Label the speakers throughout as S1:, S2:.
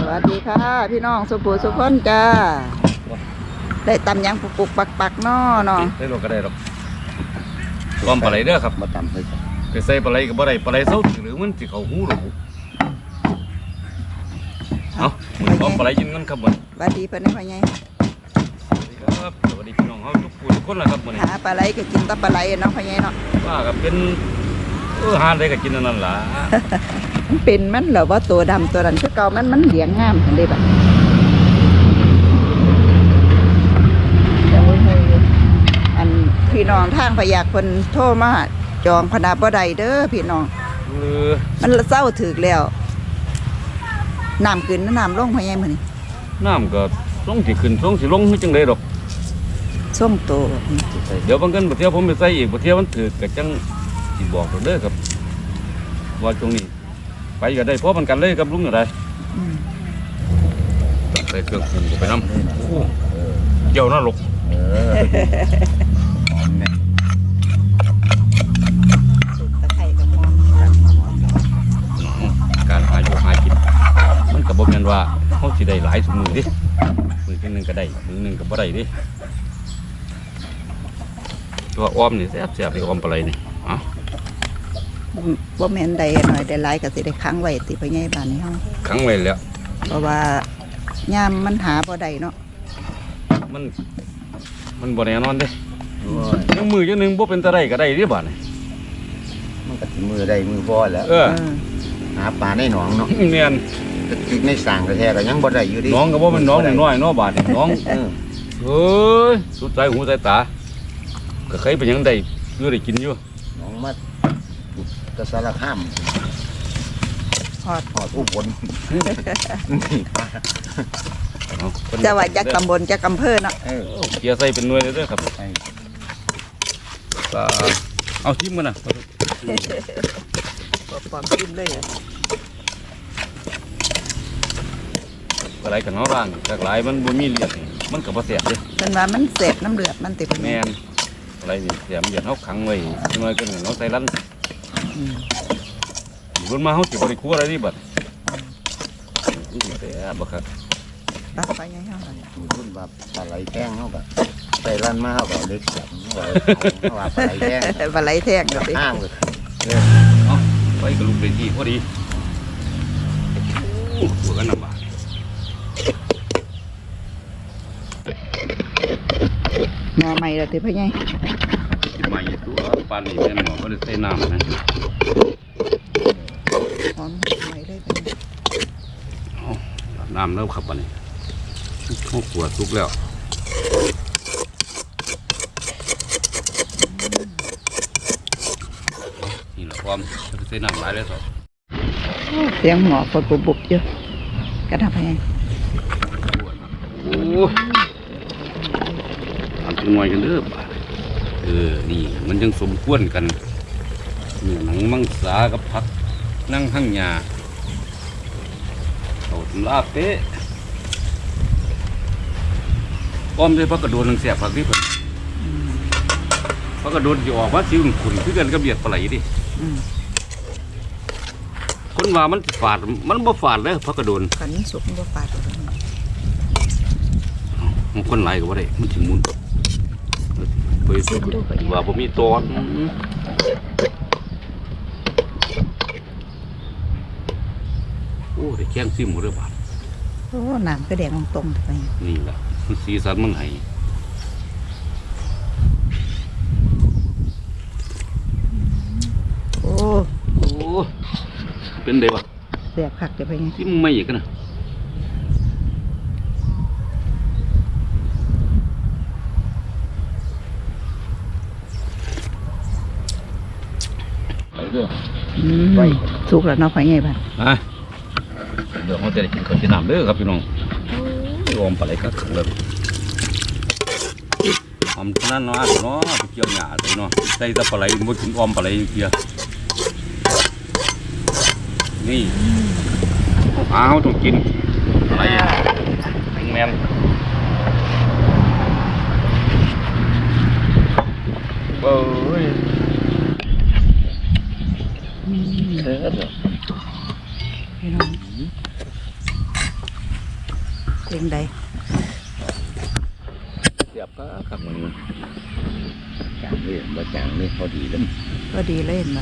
S1: วัสดีค่ะพี่น้องสุภูสุขคนจ้าได้ตำยังปุกปักน้อเนาะ
S2: ได้รถก็ได้หรอกรวมปลาไหลเด้อครับ
S3: มาตำเลย
S2: ไปใส่ปลาไหลกับปลาไหลเศร้าหรือมันสิเขาหูหรือเอารวมปลาไหลยินกันครับมัน
S1: สวัสดีเพื่อนให้พ่อใหญ่
S2: ครับสวัสดีพี่น้องเขาทุกคนเลยครับมัน
S1: หาปลาไหลก็กินแตปลาไหลเนาะพ่อใหญ่เนาะ
S2: ว่ากับเป็นหาได้ก็กินนั่นล่ะ
S1: มันเป็นมันเหรอว่าตัวดำตัวนั้นคือเก่ามันเหลียงงามเห็นได้แบบอันพี่น้องทางพยากคนโทรมาจองพนาบ่ได้เด้อพี่น้องมันเศร้าถึกแล้วน้ำขึ้นน้ำลงพ่อใหญ่มื้อนี้
S2: น้ำก็ลงสิขึ้นลงสิลงจังได๋ดอก
S1: ส้มโต
S2: เดี๋ยวบางกันบ่เที่ยวผมไปใส่อีกบ่เที่ยวมันถือก็จังสิบอกเด้อครับว่าตรงนี้ไปก็ได้เพราะมันกันเลยกับลุงอะไรใส่เครื่องปรุงไปน้ำเกี่ยวน่าหลกการหาอยู่หากินมันกับบอกกันว่าเขาสิได้หลายสมือดิมือที่หนึ่งก็ได้มือหนึ่งก็บ่ได้ดิตัวอ้อมนี่แซ่บๆเลยอ้อมปลาไหลนี่
S1: บ่แม่นใดหน่อยได้หลายก็สิได้ค้างไว้ติพ่อใหญ่บ้านนี้เฮา
S2: ค้างไว้แล้ว
S1: เพราะว่ายามมันหาบ่ได้เนาะ
S2: มันบ่แน่นอนเด้ยังมือจังนึงบ่เป็นตะไดก็ได้เด้บาดนี่
S3: มันก็มือได้มือพอแล้วหาปลาในหนองเนาะ
S2: แม่น
S3: ตึกในสร้างแท้ๆก็ยังบ่ได้อยู่ดิ
S2: น้องก็บ่เป็นน้องน้อยเนาะบาดนี่น้องเอ้ยสุดใจหูใจตาก็เคยเป็นยังได้อยู่ได้กินอยู่
S3: น้องมาตะสารข้าม
S1: ฮอด
S3: อุบล
S1: จะว่าจักตำบลจักอำเภอเนาะ
S2: เกียร์ใส่เป็นหน่วยเลยเด้อครับเอาชิมกันนะ
S1: ปอมชิมเลย
S2: อะไรกันเนาะร่างจากหลายมันบ่มีเลือดมันก็บ่แซ่บเด้
S1: เป็นว่ามันเสพน้ำเลือดมันติด
S2: แม่นอะไรนี่แซ่บเลือดเฮาขังไว้หน่อยกันเนาะใส่ลั่นรุ่นมาเขาสิบริคูอะไรนี่บัดแต่บักครับ
S1: ปลาไปยังเท่าไหร่
S3: รุ่นแบบปลาไหลแท่งเขาแบบใส่ร้านมาเขาแบบเล็กจับเขาแบบปลาไหลแท่ง
S1: ปลาไหลแท่งกับ
S3: ห้างเลย
S2: เอาไปกับลูกเป็นที่พอดีหัวกันลำบาก
S1: หน่อใหม่ละติพ่อใหญ่
S2: ใหม่ตัวปลาหนีแม่หมอก็เลยใส่น้ำนะ
S1: หอมใหม่ได้
S2: เป็นน้ำเริ่มขับวันนี้ข้าวขวดทุกแล้วนี่แหละความใส่น้ำหลายเลยสิ
S1: เสียงหมอปวดบุบเยอะกระทำให้
S2: โอ้ทำจังหน่อยกันเด้อนี่มันยังสมควรกันเนื้อหนังมังสากับผักนั่งหั่งยาเอาทำลาเป๊ะอ้อมด้วยผักกระโดดนังเสียบผักที่เพิ่นผักกระโดดจะออกว่าซิวขุ่นคือกันกับเบียดปลาไหลดิคนว่ามันฝาดมันบ่ฝาดเลยผักกระโดด
S1: ขันสุกมันบ่ฝาด
S2: มันคนไหลก็ว่าได้มันถึงมุนไปสุกว่าบ่มีตอนโอ้ได้แข้งซิมหมดเลยบาด
S1: โอ้น้ำก็แดงตรงไป
S2: นี่แหละมันสีสันมันไห้
S1: โอ้
S2: เป็นเดวะ
S1: เสียบผักจะไปไง
S2: ที่ไม่อีกนะไปเด้อ
S1: ไปสุกแล้วเนาะไปไงบ้าง
S2: เดี๋ยวเขาจะได้กินข้าวจีน้ำเด้อครับพี่น้องรวมปลาไหลกัดเลยอมนั่นเนาะเนาะเกี่ยวหยาใส่เนาะใส่ตะปลาไหลมันถึงอมปลาไหลเกี่ยวนี่เขาต้องกินอะไรแมนเบ้ย
S1: พี่น้องเป็นใด
S2: เสียบก็ขับมัน
S3: จางนี่บ่จางนี่พอดีเลย
S1: ก็ดีเล่นมา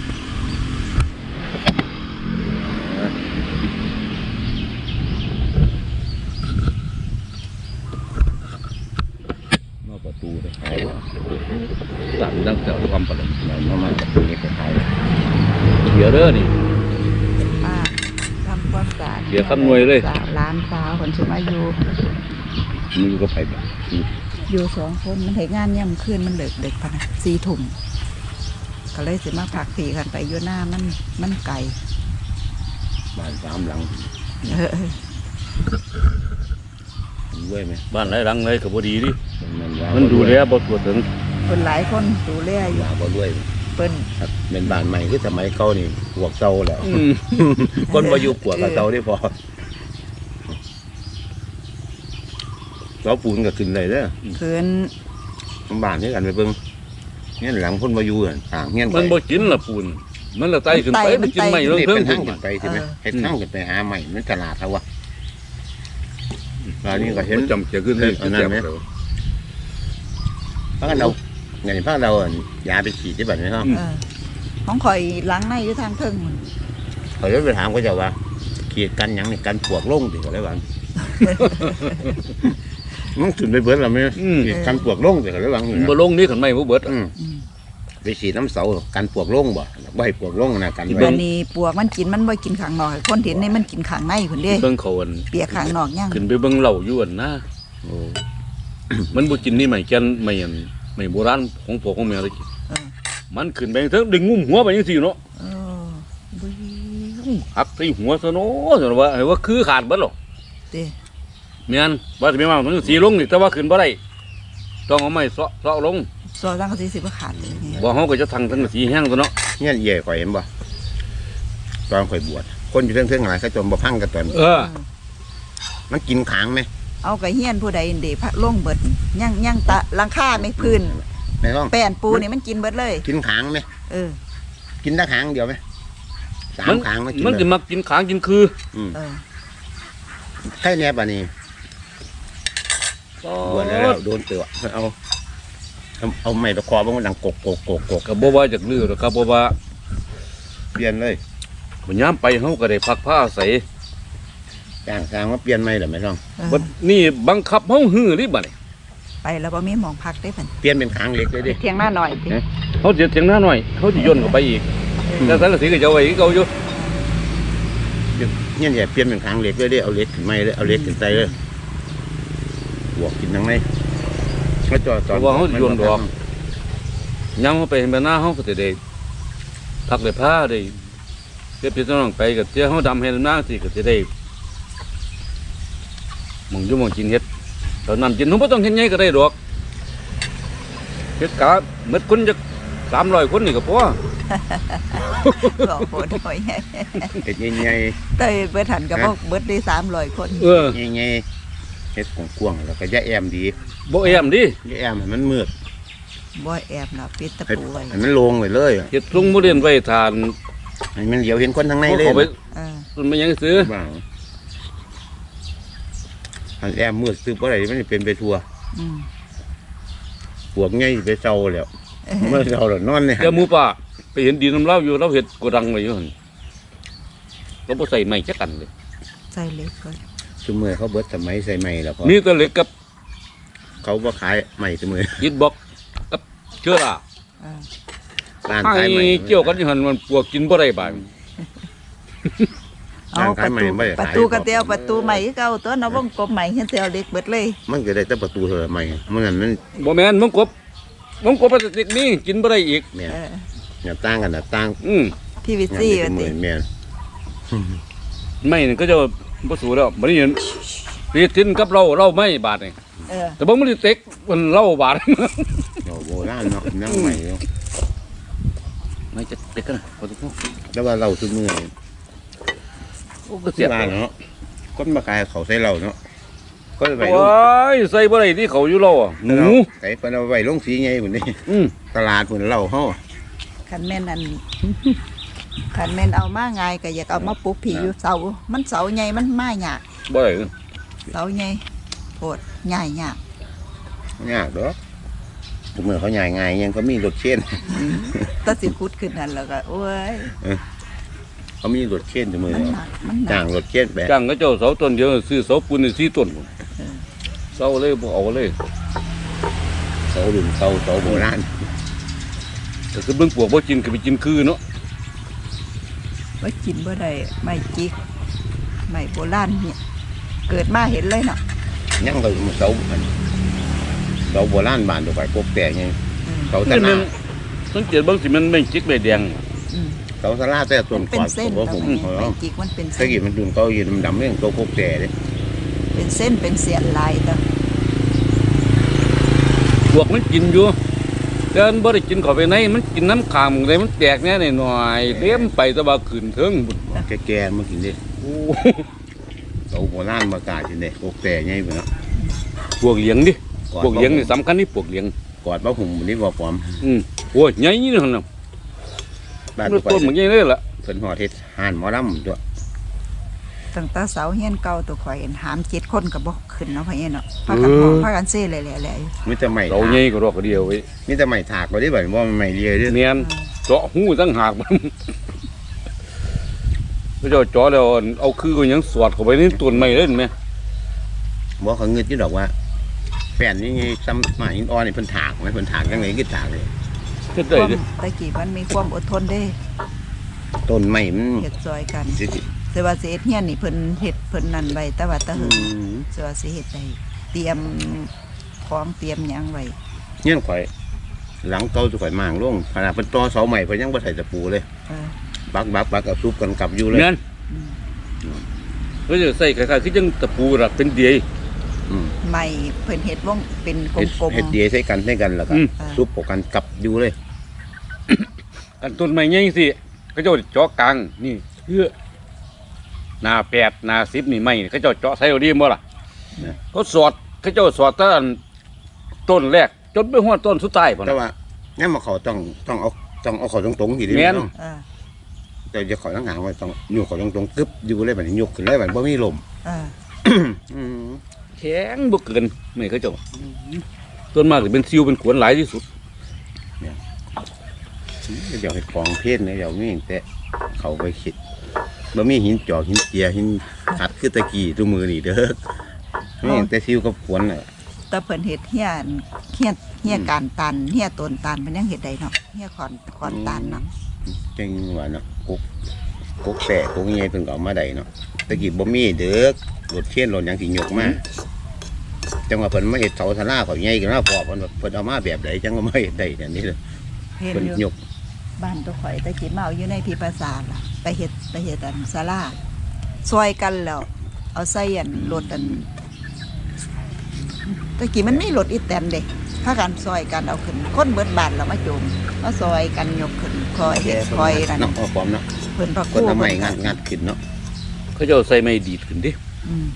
S2: นอกประตูเลยหายสั่งดังแต่ความประหลาด
S3: เรามาจากตรงนี้ไปขาย
S2: เดี๋ยวเด้อนี่
S1: ป้าทำความสะอาด
S2: เดี๋ยวคำนวณเลย
S1: ร้านสาวคนชื่อมาอยู่
S2: มือก็ไปแบบ
S1: อยู่2 คนมันเหตุงานย่ำคืนมันเด็กพะนะ4 ทุ่มก็เลยสิมาพักผีกันไปอยู่หน้ามันไก่
S3: บ้าน3 หลังรวยไหม
S2: บ้านไรหลังไรก็บ่ดีดิ
S3: ว่า
S2: มันดูแลบ่ตัวถึง
S1: คนหลายคนดูแลอยู่
S3: ว่าบ่รวย
S1: เปิ้น
S3: ครับเป็นบ้านใหม่คือสมัยเก่านี่ปวกเก่าแล้วคนบ่อยู่ปวกกับเก่าได้พอเราปูนก็ขึ้นเลยเด้อ
S1: คืน
S3: บ้านนี้กันไปเบิ่งเงี้ยหลังคนบ่อยู่อ่ะต่างเงี้ย
S2: มันบ่กินละปูนมันละไตขึ้นไปมันกินไม่
S3: นี่
S2: เรื่อง
S3: เป็น
S2: เพิ่
S3: ทาง งขึ้นไปใช่ไหมเฮ็ดทางขึ้นไปหาใหม่มันตลาดเขาวะแล้วนี่ก็เห็น
S2: จำเสียขึ้นเลย
S3: อันนั้นไหม พากันเราไงพากันเรายาไปฉีดที่บัดนี้เนาะ
S1: ของข่อยล้างในอยู่ทางเทิงมัน
S3: เขาจะไปถามเขาจะว่าขีดกันหยังนี่กันปวกลงติก็ได้บ้างมันถึงไปเบิดแล้วไหมขีดกันปวกลงติก็ได้บ้าง
S2: บ่ลงนี่ขันไม่บ่เบิด
S3: ไปฉีดน้ำเสากันปวกลงบ่ใบปวกลงนะกัน
S1: อันนี้ปวกมันกินมันบ่กินข้างนอกคนเห็นนี่มันกินข้างในคนเด้
S2: เบิ่งเขาอัน
S1: เปียกข้างนอกยัง
S2: ขึ้นไปเบิ่งเหล่าอยู่อันนะ
S3: โอ้
S2: มันบ่กินนี่ไม่แก่นไม่อันไม่โบราณของพ่อของแม่เลยกินมันขึ้นไปเถิงดึงงุ้มหัวไปจังซี่เนาะ
S1: บุย
S2: หักใส่หัวซะเนาะซั่นว่าให้ว่าคือขาดเบิดหรอก
S1: เด้
S2: แม่นว่าสิแม่ว่ามันสีลงนี่แต่ว่าขึ้นบ่ได้ต้องเอาไม้เซาะลง
S1: ซอสังกะสีสิบ่ขาดเลยเนี่ย
S2: บ่เฮาก็จะทั้งสีแห้งซะเนาะ
S3: เนี่ยเย่ข่อยเห็นบ่ตอนข่อยบวชคนอยู่เทิงๆหลายเขาจมบ่พังกันตอน มันกินขางไหม
S1: เอากระเฮียนผู้ใดเดพระลงเบิดยังตะหลังคาไม่พื้น
S3: ไม่ต้อง
S1: แป้นปูนี่มันกินเบิดเลย
S3: กินขางไหม กินได้ขางเดียวไหม3 ขางมันกิน
S2: มันจะมากินขางกินคือ
S3: แค่เนี้ยป่ะนี่บวชแล้วโดนเตือเอาไม้ตะคอบ้างมันดังกก
S2: ก็บ่ว่าจากลือหรอกครับบ่ว่า
S3: เปลี่ยนเลย
S2: บ่ยามไปเฮาก็ได้พักผ้าอาศัย
S3: จ้างสร้างว่าเปลี่ยนไหมหรือไม่ต้อง
S2: บัดนี้บังคับเฮาฮื้อดิบัดนี้
S1: ไปแล้วบ่มีหมองพักได้เพิ่น
S3: เปลี่ยนเป็นขางเล็กเลยดิ
S1: เที่ยงหน้าหน่อยสิ
S2: เฮาเสียเสียงหน้าหน่อยเฮาสิย่นเข้าไปอีกแต่สังกะสีก็จะเอาไว้คือเก่าอยู่
S3: เนี่ยอย่าเปลี่ยนเป็นขางเล็กเลยดิเอาเล็กขึ้นไม้เลยเอาเล็กขึ้นใจเลยบวกกินทั้งไม้เขาจอดตอน
S2: เพราะว่าเฮาสิย่นดอกยามเฮาไปเห็นหน้าเฮาก็สิได้พักได้ผ้าได้เก็บพี่น้องไปก็เจ้าเฮาดำเฮ็ดหน้าสิก็สิได้หมองอยู่หมองกินเฮ็ดตอนนั้นกินเฮาบ่ต้องเฮ็ดใหญ่ก็ได้ดอกเฮ็ดกะหมดคนจัก300 คนนี่ก็พอ
S1: บอกโหดหน่อย
S3: เห็ดใหญ่
S1: เต้ยเบิดหันก็บ่เบิดได้300 คน
S3: ๆใหญ่ๆเห็ดกว้างๆแล้วก็ยาแอมดี
S2: บ่แอมดิ
S3: ยาแอมให้มันมืด
S1: บ่แอบน่ะปิดตะ
S3: ให้
S1: ปูไว้
S3: มันโลงไปเลย
S2: เฮ็ดลุงบ่เรียนไว้ทาน
S3: ให้มันเหลียวเห็นคนทั้งในเลย
S2: เขาไป
S1: เออ
S2: มันไม่ยังซื้อ
S3: บ้างอันแอมมืดซื้อเพราะอะไรมันเป็นไปทัว
S1: อืม
S3: พวกไงไปเศร้าแล้วเมื่อเศร้าแล้วนอนเนี่ย
S2: เดี๋ยวหมูป่าไปเห็นดินน้ำเล่าอยู่เราเห็ดกระดังไว้อยู่หั่นเราบ่ใส่ไม้จักกันเลย
S1: ใส่เล็กก่อน
S3: สมัยเขาเบิดสมัยใส่ไม้แล้วพอ
S2: มีแต่เหล็กกับ
S3: เขาบ่ขายไม้สมัย
S2: อิฐบล็อกกับเชื้อรา
S1: เออ
S3: ร้าน
S2: ไอ้
S3: ขายไม้
S2: เกี่ยวกันอยู่หั่นมันปวกกินบ่ได้บาด
S1: เอาประตูกระเตียวประตูใหม่คือเก่าตัวเนาะวงกลมใหม่เฮ็ดเตียวเล็กเบิดเลย
S3: มันก็ได้แต่ประตูเท่าไหร่ไม้เมื่อนั้นมัน
S2: บ่แม่นมงกบพลาสติกนี่กินบ่ได้อีก
S3: แม่น
S1: เออ
S3: อย่าตั้งกันนะตั้ง
S1: พี่วิซี่ว่าติ
S3: แม่น
S2: ไม่นี่ก็จะบ่สู้แล้วบ่ได้เห็นปีทินกับเราไม่บาดนี่
S1: เออ
S2: แต่บ่มันสิเต็กมันเล่าบาด
S3: โบราณเนาะนั่งใหม่
S2: ไม่จะเต็กกันนะบ่ต้อง
S3: แล้วว่าเราทุกมื้อ
S2: โอ้ก็เสี
S3: เสี
S2: ย
S3: ยเนาะคนมาขายเขาใส่เราเนาะก็ไป
S2: โอ้ยใส่บ่ได้ที่เขาอยู่เราอ่ะหนู
S3: ใส่เพิ่นเอาไว้ลงสีไงพุ่นนี่ ตลาดพุ่นเราเฮา
S1: คันแม่นอัน คันแม่นเอามาง่ายก็อยากเอามาปลูกผีอยู่เสามันเสาใหญ่มันมายาก
S2: บ่ได้
S1: เสาใหญ่โพดใหญ่ยาก
S3: ยากดอกทุกมื้อเขาใหญ่ง่ายยังก็มีรถเข็น
S1: แตะสิขุดขึ้นนั่นแล้วก็โอ้ย
S3: เขามีรถเข็นทุกมื้อ
S1: มันหนักมันหนั
S3: จ้าก งรถเข็นไป
S2: จ้างก็เจ้าเสาต้นเดียวซื้อเสาปูนนี่4ต้นเสาเลยบ่เอาเลย
S3: เสารุ่นเสาโบราณ
S2: แต่คือเบิ่งปวกบ่กินก็ไปกินคือเนาะ
S1: ว่ากินบ่ได้ไม่จิกไม่โบราณเนี่ยเกิดมาเห็นเลยเนาะ
S3: ยังก็เสาโบราณบ้านตัวไปกกแต่ยังเสาตะ
S2: นี่
S3: นา
S2: มันสังเกตเบิ่งสิมันไม่จิกใบแดง
S1: อืม
S3: เสาสลาแต่ต้น
S1: เป็น
S3: กอด
S1: เส้น
S3: บ่
S1: แต่
S3: ผม
S1: ว่าไม่จิกมันเป็น
S3: ตะ
S1: เส้น
S3: กี้มันดุนเขาอยู่ดำๆเรื่องตัวกกแต่เด้
S1: เป็นเส้นเป็นเสียนลายแต่
S2: พวกมันกินอยู่แต่มันบ่ได้กินเข้าไปในมันกินน้ำขามได้มันแตกแน่หน่อยๆเต็มไปแต่ว่าขึ้นเทิงบุญ
S3: แก่ๆมากินเด้
S2: โอ้
S3: เสาโบราณมากากินเด้กกแต่ใหญ่พุ่นเนาะ
S2: พวกเลี้ยงดิพวกเลี้ยงนี่สำคัญนี่พวกเลี้ยง
S3: กอดบ่หุ่มนี่บ่ปลอม
S2: โอ้ยใหญ่นี่หั่นน่ะ
S3: บ้าน
S2: มัน
S3: ตัวไป
S2: ต้นมันใหญ่เลยล่ะ
S3: เพิ่นฮอดเฮ็ดห่านหมอลำตัว
S1: ตั้งแต่เสาเฮียนเก่าตัวข่อยเห็นหาม7คนก็บ่ขึ้นเนาะพ่อเอ็นเนาะพากันห้องพากันเซ่แหล่ๆ
S3: มีแต่ไม้
S2: เราใหญ่ก็รอกเดียวไว้
S3: มีแต่ไม้ถากบ่ได้บ่ว่ามันไม้เลียเด้อ
S2: เนียนเจาะหูตั้งหากมันพระเจ้าเจาะแล้วเอาคือก็ยังสวดเข้าไปในต้นไม้เลยเห็นไหม
S3: บ่เขาเงินอยู่ดอกว่าแป้นนี่ไงซ้ำไม้หินอ่อนนี่เพิ่นถากไหมเพิ่นถากจังได๋คือถากเลย
S2: เฮ็ด
S1: ๆค
S2: ได้
S1: วาม
S2: เด้
S1: ตะกี้มันมีความอดทนเด้
S3: ต้นไม้มัน
S1: เฮ็ดซอยกัน
S3: สิ
S1: แต่ว่าสิเฮ็ดเฮียนนี่เพิ่นเฮ็ดเพิ่นนั่นไว้แต่ว่าตะ
S3: อื
S1: หึง
S3: ม
S1: สิว่าสิเฮ็ดได้เตรียมของเตรียมหยังไว้
S3: เงี้ยข่อย หลังเก่าสุข่อยมางลงขนาดเพิ่นต่อเสาใหม่เพิ่นยังบ่ใส่ตะปูเลย
S1: เออ
S3: บักเอาซุบกันกลับอยู่เลย
S2: เนียนก็จะใส่คล้ายๆคือจังตะปูล่ะเป็นเดีย
S3: อืม
S1: ไม้เพิ่นเฮ็ดวงเป็นก
S3: เฮ็ด
S1: ลม
S3: เฮ็ดเดียใส่กันแล้วก็ซุบปกกันกลับอยู่เลย
S2: อันต้นไม้ใหญ่สิเขาเจ้าเจาะกลางนี่เพื่อหน้า8หน้า10นี่ไม้เขาเจ้าเจาะใส่เอาดีบ่ล่ะเขาสอดเขาเจ้าสอดตั้งต้นแรกจนไปฮอดต้นสุดท้ายพุ่น
S3: แต่
S2: น่ะ
S3: ว่าเนี่ยมาเขาต้องเอาเขาตรงๆทีเดียว
S2: แม่น
S3: เนาะ
S1: ๆเออ
S3: แต่จะขอทั้งหางไว้ต้องอยู่เขาตรงๆกึบอยู่เลยบัดนี้ยกขึ้นเลยบัดบ่มีลม
S1: เออ
S3: อืม
S2: แข็งบ่เกินไม่เขาเจ้าต้นมากสิเป็นซิวเป็นขวนหลายที่สุด
S3: เดี๋ยวให้ของเพศเนี่ยเดี๋ยวมีแต่เขาไปคิดบ่มีหินจอกหินเจียหินขัดคือตะกี้ตัวมือนี่เด้อมีแต่ซิวกับขวนน่ะ
S1: แต่เพิ่นเฮ็ดเฮียการตันเฮียต้นตันมันยังเฮ็ดได้เนาะเฮียขอนตันเนาะ
S3: จังว่าเนาะกุกแสะกุกใหญ่เพิ่นก็เอามาได้เนาะตะกี้บ่มีเด้อรถเข็นรถหยังสิยกมาจังว่าเพิ่นมาเฮ็ดเสาศาลาเขาใหญ่ขึ้นมาพอเพิ่นเอามาแบบใดจังก็มาเฮ็ดได้แบบนี้เลย
S1: เฮ็ด
S3: เพิ่น
S1: อยู่
S3: ยก
S1: บ้านตัวข่อยตะกี้มาเอาอยู่ในพิพาษาล่ะไปเฮ็ดอันศาลาซอยกันแล้ว เอาใส่อันรถอันตะกี้มันมีรถอีแตนเด้พากันซอยกันเอาขึ้นคนเบิดบ้านแล้วมาโจมมาซอยกันยกขึ้นคอยเฮ็ดคอยนั่น
S3: เนาะเอาความเนาะ
S1: เพิ่นพระ
S3: ค
S1: ครู
S3: นทำไม
S1: เพิ่น
S3: งัดขึ้นเนาะ
S2: เขาเจ้าใส่ไม้ดีดขึ้นดิ
S1: อืม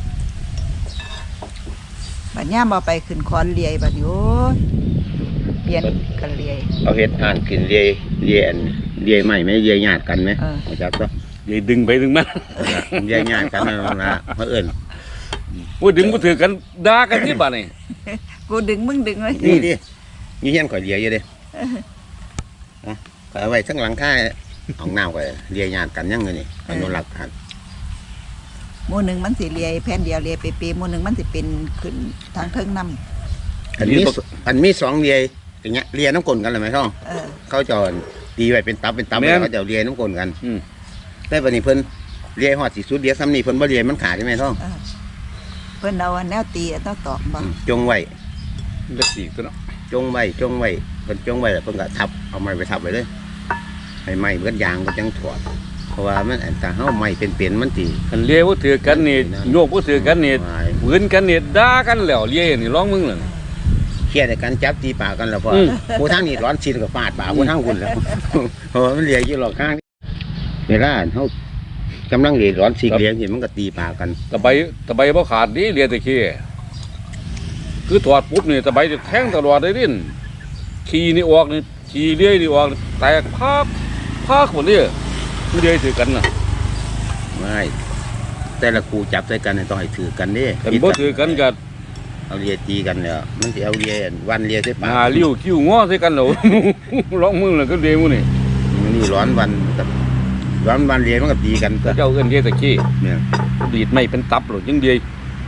S1: บัดย่ามเอาไปขึ้นคอนเลียบัดนี้โอ้ยเปลี่ยนกันเลีย
S3: เอาเฮ็ดห่านขึ้นเลียอันเลียใหม่ไหมเลียญาติกันไหม
S1: เออ
S3: รู้จักก็
S2: ยายดึงไปดึงมา
S3: เลียญาติกันนั่นล่ะเพิ่นเอิ้น
S2: โอ้ยดึงบ่ถือกันด่ากันที่บ้านนี่
S1: กูดึงมึงดึงเลย
S3: นี่ดิมีเฮียนข่อยเลียอยู่เด้อ่ะข่อยเอาไว้ทั้งหลังคาห้องน้ำข่อยเลียญาติกันยังไงนี่อนุรักษ์กัน
S1: หมู่หนึงมันสิเลียแผ่นเดียวเลียเปๆหมู่หนึงมันสิเป็นขึ้นทางเทิงนำ
S3: อันมีสองเลียอย่างเงี้ยเลียน้ำกลนกันเลยไหมท่อง
S1: เออ
S3: เขาจะตีไว้เป็นตับแล้วเขาจะเลียน้ำกลนกัน
S2: อืม
S3: แต่บัดนี้เพิ่นเลียฮอดสิสุดเลียซ้ำนี่เพิ่นบ่เลียมันขาดใช่ไหมท่อง
S1: เออเพิ่นเอาอันแนวตีอันแนวตอกบ่
S3: จงไว้
S2: มันก็สีกตัวเนาะ
S3: จงไว้เพิ่นจงไว้แล้วเพิ่นก็ทับเอาไม้ไปทับไว้เลยให้ไม้เบิดยางก็จังถอดเพราะว่ามันอันถ้าเฮาไม้เป็นมันสิ
S2: คันเลี้ยบ่ถือกันนี่โยกบ่ถือกันนี่
S3: วาย
S2: ปืนกันนี่ด่ากันแล้วเลี้ยนี่ร้องมึงเลย
S3: เครียดกันจับตีปากกันแล้วพอ
S2: อืม
S3: ผู้ทางนี้ร้อนชินก็ฟาดปากผู้ทางคุณแล้วเพราะว่ามันเลียอยู่หลอกข้างเวลาเฮากำลังเลียร้อนสิเลียเห็นมันก็ตีปากกัน
S2: ตะไบบ่ขาดดิเลี้ยแต่ขี้คือถอดปุ๊บนี่ตะไบจะแทงตลอดเลยดินขี้นี่ออกนี่ขี้เลี้ยนี่ออกแตกพากหมดเลยมันเลี้ยถือกันน่ะ
S3: ไม่แต่ละคู่จับใส่กันเนี่ยต้องให้ถือกันเด้
S2: กันบ่ถือกันก็
S3: เอาเลียตีกันเนี่ยมันสิเอาเลียวันเลียใส่ปาก
S2: หาลิ้วคิ้วงอใส่กันแล้ว ร้องมึงแล้วก็เดมื้อนี่
S3: มันนี่ร้อนวันกับร้อนวันเลียมันก็ตีกันก็
S2: เจ้าเอิ้นเฮ็ดตะกี้
S3: เนี่ย
S2: ดีดไม่เป็นตับโลดจังเดีย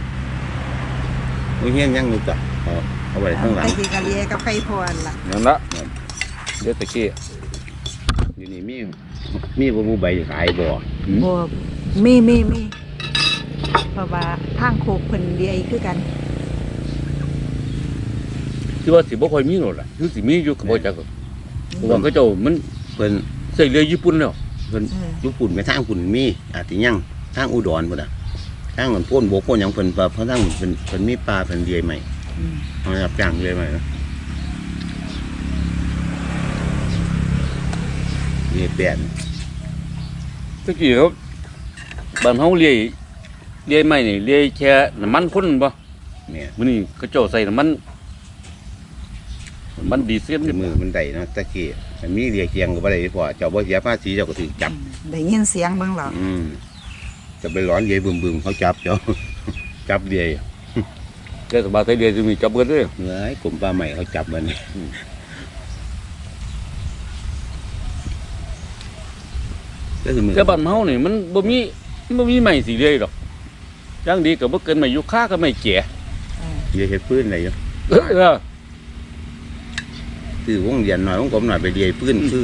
S3: มือเฮี้ยนยังอยู่จ้ะเอาไว้ข้างหลัง
S1: ไปกินกะเลียกับไข่พรล่ะ
S2: นั่นละเฮ็ดตะกี้
S3: อยู่นี่มีบ่มูใบขายบ่
S1: บ่มีเพราะว่าทางโคกเพิ่นเลียคือกัน
S2: คือว่าสิบ่ค่อยมีโลดล่ะคือสิมีอยู่ก็บ่จักหรอกเพราะว่าเขาเจ้ามัน
S3: เพิ่น
S2: ใส่เรือญี่ปุ่นแล้ว
S3: เพิ่นญี่ปุ่นไปทางปุ่นมีอาจสิยังทางอุดรพุ่นน่ะทางมันพ่นบกพ่นหยังเพิ่นเพราะทางเพิ่นมีปลาเพิ่นเลียใหม่
S1: อืม
S3: เอารับจ้างเลียใหม่นะเลียแปด
S2: ตะกี้เขาบ้านเฮาเลียไม่นี่เลียแค่น้ำมันพ่นบ่
S3: เนี่ย
S2: มื้อนี้เขาเจ้าใส่น้ำมันดีเซล
S3: มือมันได้เนาะตะกี้มันมีเลียเคียงก็บ่ได้พอเจ้าบ่เสียภาษีเจ้าก็ถูกจับ
S1: ได้ยินเสียงเบิ่งหรอ
S3: จะไปร้อนเลียบึมๆเขาจับเจ้า จับเลีย
S2: เทศบาลไทยเลียจะมีจับเบิดเด้อ
S3: เฮ้ยกลุ่มปลาใหม่เขาจับมันก็คือมือ
S2: แต่บ้านเฮานี่มันบ่มีไม้สิเลียดอกจังดีก็บ่เกินไม้ยูคาก็ไม้แก่
S3: เลียเห็ดปืนอะไรอยู่
S2: เออ
S3: คือวงเรียนหน่อยวงกลมหน่อยไปเลียปืนคือ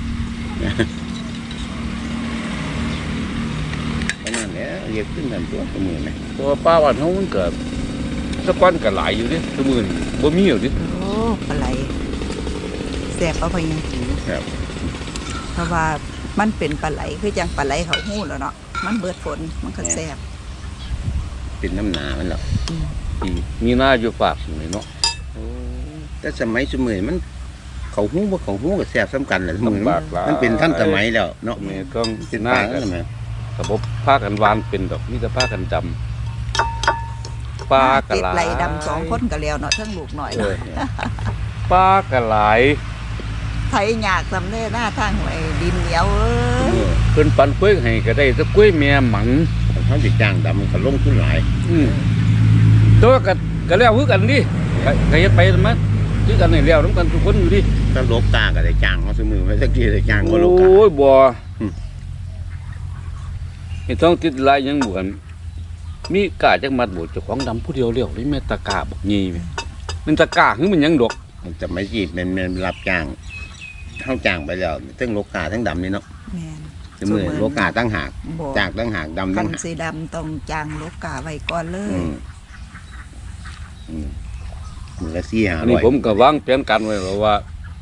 S3: ประมาณนี้เลียปืนทันตัวมือไหม
S2: เพราะว่าป้าบ้านเฮามันก็สะก้อนก็หลายอยู่เด้ซุมื้อนี้บ่มีแล้วดิ
S1: โอ้ปลาไหลแซ่บเอาไปยัง
S3: ครับ
S1: เพราะว่ามันเป็นปลาไหลคือจังปลาไหลเขาหู้แล้วเนาะมันเบิดฝนมันก็แซ่บ
S3: เป็นน้ำหนามันหรอก
S2: ที่มีหน้าอยู่ฝากนี่เนาะ
S3: แต่สมัยสมัยมันเขาหู้บ่เขาหู้กับแซ่บซ้ำกันแหละมือ
S2: ลำบากหลาย
S3: มันเป็นท่านสมัยแล้วเนาะ
S2: แม่ต้อง
S3: เป็น
S2: หน้า
S3: ปาง
S2: กัน
S3: ใช่ไหม
S2: ระบบผ้ากันวานเป็นดอกมีแต่ผ้ากันดำปลากระ
S1: เก็บ
S2: ไหล
S1: ไหลดำ2คนก็แล้วเนาะเทั้งลูกหน่อย
S2: เอ
S1: เนาะ
S2: อปลากระไหล
S1: ไทยยากสำเร็จหน้าทางหวยดินเหนียวเอ้ย
S2: เพิ่นปันกล้วยให้ก็ได้แตะกล้วยแม่หมัง
S3: เขาจะจ้างดำมันก็ลงทุนหลาย
S2: แต่ว่าก็แล้วคือกันดิก็เฮ็ดไปมาคือกันนี่แล้วนํกันทุกคนอยู่ดิ
S3: ถ้าโลกกาก็ได้จ้างเขาซื้อมือไว้สักทีได้จ้าง
S2: โอ
S3: ก็โลกกา
S2: ้ยบ่
S3: อืม
S2: เฮ็ดต้องติดลายยังบ่กันมีกาจักมัดบ่เจ้าของดำผู้เดียวแล้วนี่แม่ตะกาบักใหญ่แม่มันตะกาคือมันหยังดอก
S3: มันจะไม่จีบมันรับจ้างเข้าจ้างไปแล้วทั้งโลกาทั้งดำนี่เนาะ
S1: แม่น
S3: ซื้อมือโลกาตั้งหาก
S1: บ่
S3: จ้างตั้งหากดำ
S1: คั
S3: ตั้
S1: น
S3: งหาก
S1: สีดำต้องจางลูกกาไว้ก่อนเลย
S3: มือละ4-500
S2: อันนี้ผมก็วางแผนการไว้แล้วว่า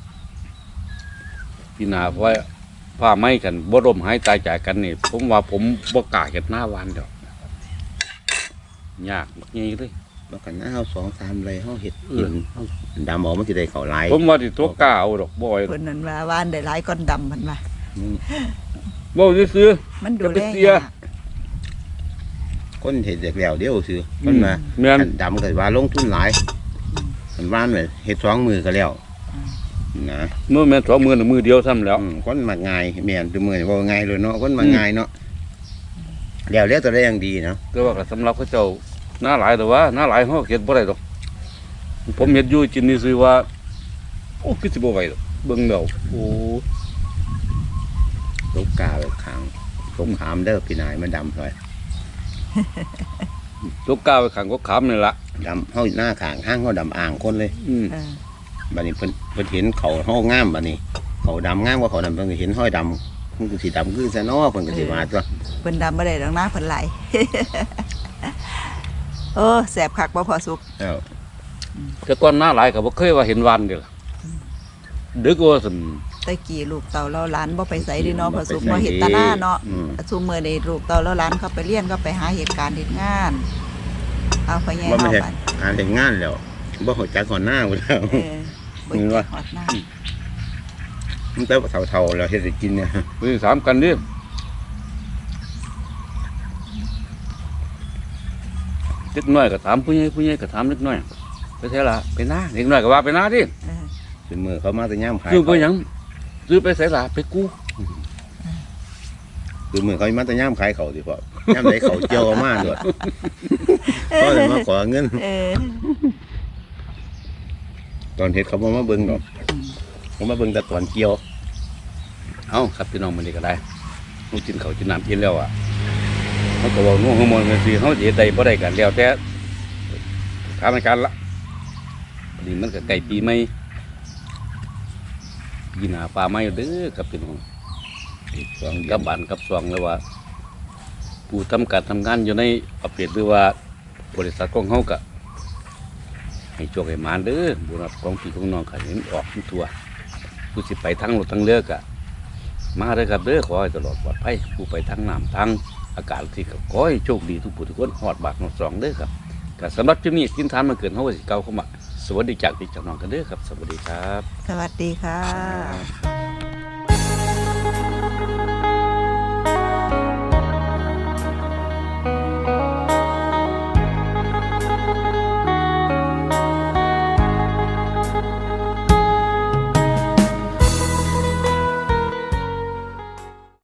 S2: พี่นาไว้ผ้าไหม้กันบ่ร่มหายตายจากกันนี่ผมว่าผมบ่กล้าเฮ็ดหน้าวานดอกยากบักใหญ่เลย
S3: แล้วกันนะเฮา2-3ไรเฮาเฮ็ดกินเฮาดำออกมันสิได้เข้าหลาย
S2: ผมว่าสิตัวกล้าเอาดอกบ่อย
S1: เพิ่นนั่นว่าว่านได้หลายก้อนดำเพิ่นว่า
S2: บ่ซื้อ
S1: มันดู
S2: จะไป
S1: แล
S2: เสีย
S1: ยาก
S3: คนเฮ็ดจากแล้วเดียวซื้อมันมา
S2: แม่น
S3: อันดำก็ว่าลงทุนหลายมันว่านเลยเฮ็ด2มือก็แล้วนะ
S2: เมื่อแม่น2มื้อน่ะมื้อเดียวซ้ำแล้ว
S3: คนมาง่ายแม่นตัวมือนี่บ่ง่ายเลยเนาะคนมาง่ายเนาะแล้วตัวได้อย่างดีเนาะ
S2: แต่ว่าก็สำหรับเขาเจ้าหน้าหลายแต่ว่าหน้าหลายเฮาเฮ็ดบ่ได้ดอกผมเฮ็ดอยู่กินนี่ซื่อว่าโอ้คือสิบ่ไหวดอกเบิ่งแล้วโอ้
S3: ลูกกาแบบขังสงครามเด้อพี่นายมันดำเลย
S2: ตัวกล้าไปขังก็ขามนี่ล่ะ
S3: ดำเฮาหน้าขางห้างเฮาดำอ่างคนเลย
S1: เออ
S3: บัดนี้เพิ่นเห็นเขาเฮางามบัดนี้ เขาดำงามกว่าเขาดำเพิ่นก็เห็นห้อยดำมันก็สิดำคือซะเนาะเพิ่นก็สิว่าตัว
S1: เพิ่นดำบ่ได้ดอกนะเพิ่นไหล เออแสบคักบ่พอสุก
S3: แล้ว
S2: แต่ก่อนหน้าหลายก็บ่เคยว่าเห็นวันเด้อล่ะดึกว่าซั่น
S1: ตะกี้ลูกเต่าเราหลานบ่ไปไสเดิเนาะพอสุกบ่เฮ็ดตาหน้าเนาะซุมื้อนี้ลูกเต่าเราหลานเขาไปเรียนก็ไปหาเหตุการณ์เฮ็ดงาน เอาไปแย่
S3: บ่ไม่
S1: เฮา
S3: ใช่
S1: บัด
S3: อ่านแต่งงานแล้วบ่ฮู้จักก่อนหน้าพุ่นแล้ว
S1: เออบ่จักฮอดหน้า
S3: มันแต่เฒ่าๆแล้วเฮ็ดให้กินเนี่ย
S2: มื้อ3กันดิเล็กน้อยก็ถามผู้ใหญ่ก็ถามเล็กน้อยไปไสล่ะไปนาเล็กน้อยก็ว่าไปนาดิ
S1: เออ
S3: ซื้อมือเขามาแต่ยามขาย
S2: ซื้อไปหยังซื้อไปไสล่ะไปกู้
S3: ซื้อมือเขามาแต่ยามขายเขาสิพ่อย่ำไหนเขาเจียวเอามาด้วยก็เลยมาขอเงิน
S1: เออ
S3: ตอนเฮ็ดเขาบ่มาเบิ่งดอกเขามาเบิ่งแต่ตอนเกี่ยว
S2: เอาครับพี่น้องมันนี่ก็ได้ลูกกินเขาวกินน้ำกินแล้วอ่ะเขาก็บอกนู่นข้างบนกันสิเขาจะได้บ่ได้กันแล้วแต่ทางการละพอดีมันก็ไก่ปีใหม่ยินหาปลาไม้เด้อครับพี่น้อง
S3: สองเดือ
S2: กัน บบ้านกับซองเลยว่า ผู้ทำการทำงานอยู่ในประเภทหรือว่าบริษัทของเขาก็ให้โชคให้หมานเด้อบุญของพี่ของน้องก็เห็นออกทั่วผู้สิไปทั้งรถทั้งเรือก็มาเด้อครับเด้อขอให้ตลอดปลอดภัยผู้ไปทั้งน้ำทั้งอากาศที่ก็ขอให้โชคดีทุกผู้ทุกคนหอดบากหอดซองเด้อครับก็สำหรับที่นี้กินทานมาเกินเขาก็สิเก่าเข้ามาสวัสดีจากพี่จากน้องกันเด้อครับสวัสดีครับ
S1: สวัสดีค่ะ